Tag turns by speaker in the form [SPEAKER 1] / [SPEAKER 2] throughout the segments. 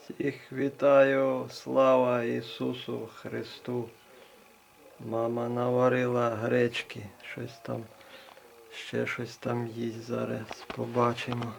[SPEAKER 1] Всіх вітаю, слава Ісусу Христу. Мама наварила гречки, ще щось там їсть, зараз побачимо.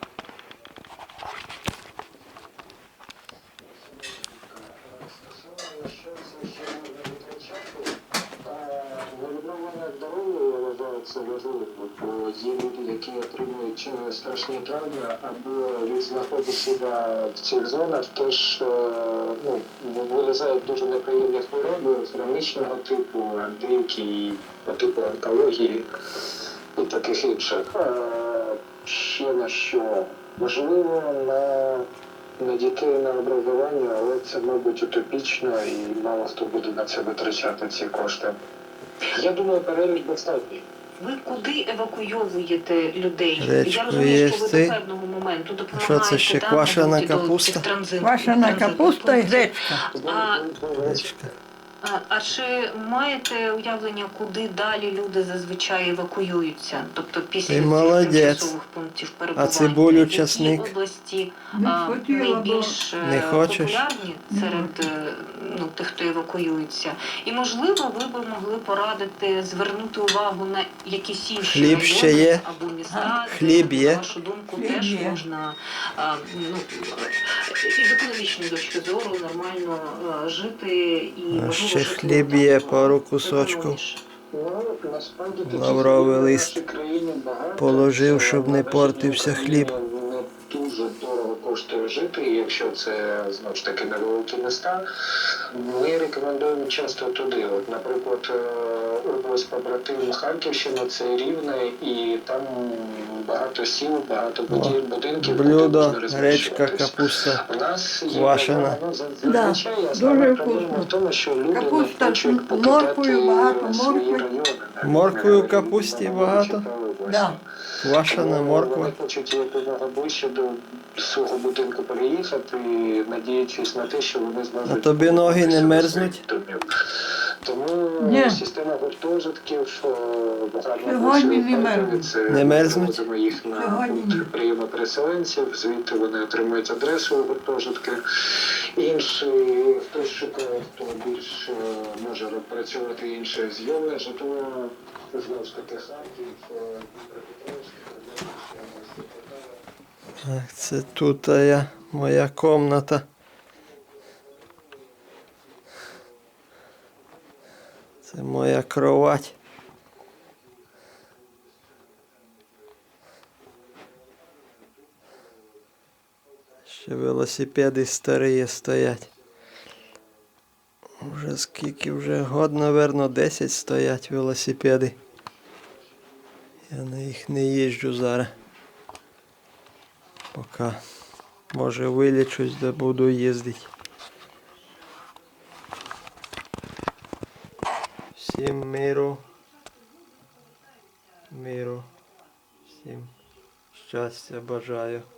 [SPEAKER 2] Відновлення здоров'я, я вважаю, це важливо, бо є люди, які отримують страшні травми або від знаходу себе в цих зонах, теж вилізають дуже неприємні хвороби хронічного типу, деякі по типу онкології і таких інших. Ще на що важливо на дітей, на образування, але це, мабуть, утопічно і мало хто буде на це витрачати ці кошти. Я думаю, перелік достатній.
[SPEAKER 3] Ви куди евакуйовуєте людей?
[SPEAKER 1] Гречку
[SPEAKER 3] Я розумію, що ви
[SPEAKER 1] їсти.
[SPEAKER 3] до певного моменту допомагаєте.
[SPEAKER 1] Що це ще,
[SPEAKER 3] там,
[SPEAKER 1] квашена
[SPEAKER 3] мабуть,
[SPEAKER 1] капуста?
[SPEAKER 4] Квашена капуста і гречка.
[SPEAKER 1] Гречка.
[SPEAKER 3] А чи маєте уявлення, куди далі люди зазвичай евакуюються? Тобто після
[SPEAKER 1] Ти
[SPEAKER 3] цих
[SPEAKER 1] молодець.
[SPEAKER 3] тимчасових пунктів перебування?
[SPEAKER 1] А цибулю,
[SPEAKER 3] Які
[SPEAKER 1] часник?
[SPEAKER 3] області
[SPEAKER 4] Не хотіла,
[SPEAKER 3] найбільш
[SPEAKER 1] Не хочеш?
[SPEAKER 3] популярні серед тих, хто евакуюється? І, можливо, ви б могли порадити звернути увагу на якісь інші
[SPEAKER 1] Хліб
[SPEAKER 3] райони
[SPEAKER 1] ще є?
[SPEAKER 3] або міста,
[SPEAKER 1] Хліб
[SPEAKER 3] де,
[SPEAKER 1] є?
[SPEAKER 3] на вашу думку,
[SPEAKER 4] Хліб
[SPEAKER 3] теж
[SPEAKER 4] є.
[SPEAKER 3] можна із економічної точки зору нормально жити і
[SPEAKER 1] А
[SPEAKER 3] можливо
[SPEAKER 1] ще
[SPEAKER 3] жити
[SPEAKER 1] хліб
[SPEAKER 3] там,
[SPEAKER 1] є, пару кусочків.
[SPEAKER 3] економніше.
[SPEAKER 2] Насправді таких
[SPEAKER 1] Лавровий
[SPEAKER 2] людей в
[SPEAKER 1] лист
[SPEAKER 2] нашій країні багато.
[SPEAKER 1] положив,
[SPEAKER 2] Це
[SPEAKER 1] щоб не
[SPEAKER 2] в
[SPEAKER 1] портився
[SPEAKER 2] нашій
[SPEAKER 1] хліб.
[SPEAKER 2] країні Не дуже дорого коштує жити, і якщо це, знову ж таки, невеликі міста. Ми рекомендуємо часто туди. От, наприклад, область побратим Харківщина, це Рівне, і там багато сіл, багато будинків, куди
[SPEAKER 1] Блюдо,
[SPEAKER 2] можна
[SPEAKER 1] гречка,
[SPEAKER 2] розміщуватись.
[SPEAKER 1] капуста.
[SPEAKER 2] У нас є
[SPEAKER 1] Квашена.
[SPEAKER 2] зазвичай
[SPEAKER 4] Да,
[SPEAKER 2] основна
[SPEAKER 4] дуже
[SPEAKER 2] проблема
[SPEAKER 4] вкусно.
[SPEAKER 2] в тому, що люди не
[SPEAKER 4] Капуста
[SPEAKER 2] хочуть
[SPEAKER 4] з
[SPEAKER 2] покидати
[SPEAKER 4] морквою, багато
[SPEAKER 2] свої
[SPEAKER 4] моркви.
[SPEAKER 2] райони.
[SPEAKER 1] Морквою в капусті багато?
[SPEAKER 4] Да.
[SPEAKER 1] Квашена морква.
[SPEAKER 2] Вони хочуть якомога ближче до свого будинку переїхати, надіючись на те, що вони зможуть...
[SPEAKER 1] А тобі ноги не мерзнуть?
[SPEAKER 2] Тому
[SPEAKER 4] Ні.
[SPEAKER 2] система гуртожитків багато
[SPEAKER 4] Сьогодні не мерзнуть.
[SPEAKER 1] Не мерзнуть?
[SPEAKER 2] Заводимо їх на
[SPEAKER 4] Сьогодні ні.
[SPEAKER 2] пункт прийому переселенців, звідти вони отримують адресу у гуртожитки. Інші, хтось шукає, хто більш може працювати інше зйомне житло, знову ж таки Харків, Дніпропетровськ,
[SPEAKER 1] Так, це тут моя комната. Це моя кровать. Ще велосипеди старі стоять. Вже скільки, вже год, напевно, 10 стоять велосипеди. Я на їх не їжджу зараз. Поки, може, вилічусь, де буду їздити. Всім миру. Всім щастя бажаю.